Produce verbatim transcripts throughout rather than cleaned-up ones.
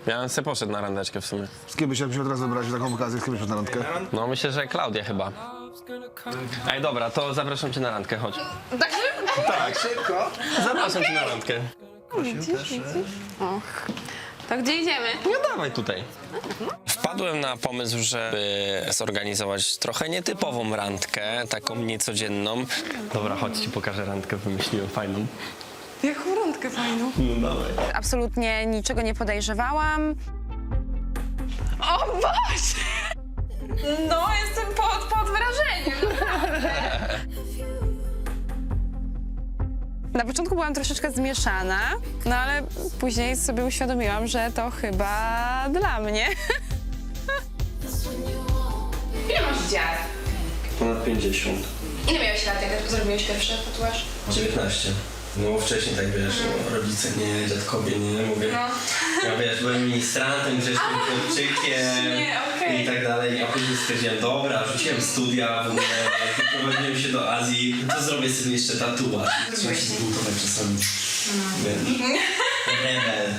Ja bym sobie poszedł na randeczkę w sumie. Z kim byś się od razu wybrać taką okazję, z kim byś poszedł na randkę? No myślę, że Klaudia chyba. Ej, dobra, to zapraszam cię na randkę, chodź. Tak szybko? Tak, szybko. Zapraszam cię na randkę. Och. To gdzie idziemy? No dawaj tutaj. Wpadłem na pomysł, żeby zorganizować trochę nietypową randkę, taką niecodzienną. Dobra, chodź ci pokażę randkę, wymyśliłem fajną. Jaką randkę fajną. No dawaj. Absolutnie niczego nie podejrzewałam. O Boże! No, jestem pod, pod wrażeniem, naprawdę. Na początku byłam troszeczkę zmieszana, no ale później sobie uświadomiłam, że to chyba dla mnie. Ile masz dziar? Ponad pięćdziesiąt. Ile miałeś lat, jak zrobiłeś pierwszy tatuaż? dziewiętnaście. No wcześniej tak wiesz, no, rodzice nie, dziadkowie nie, mówię. No. Ja wiesz, byłem ministrantem, grzecznym chłopczykiem nie, okej. i tak dalej, a później stwierdziłem, dobra, rzuciłem studia w ogóle, wyprowadziłem się do Azji, to zrobię sobie jeszcze tatuaż. Trzeba się zbuntować czasami. Wiesz, rebel.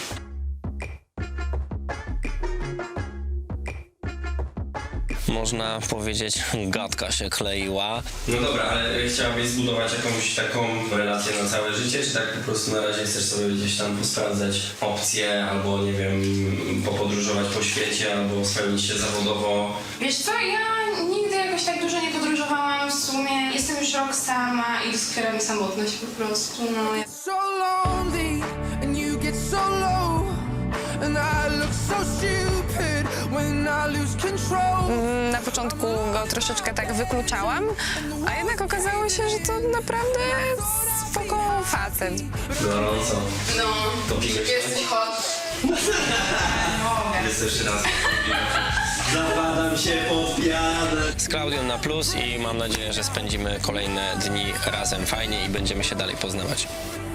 Można powiedzieć, gadka się kleiła. No dobra, ale chciałabyś zbudować jakąś taką relację na całe życie, czy tak po prostu na razie chcesz sobie gdzieś tam posprawdzać opcje, albo nie wiem, popodróżować po świecie, albo spełnić się zawodowo? Wiesz co, ja nigdy jakoś tak dużo nie podróżowałam w sumie. Jestem już rok sama i doskwiera mi samotność po prostu, no. So lonely and you get so low and I look so stupid when I lose control. Na początku go troszeczkę tak wykluczałam, a jednak okazało się, że to naprawdę spoko facet. Gorąco. No, To piłeś jesteś hot. Jest jeszcze raz. Zapadam się pod pianę. Z Klaudią na plus i mam nadzieję, że spędzimy kolejne dni razem fajnie i będziemy się dalej poznawać.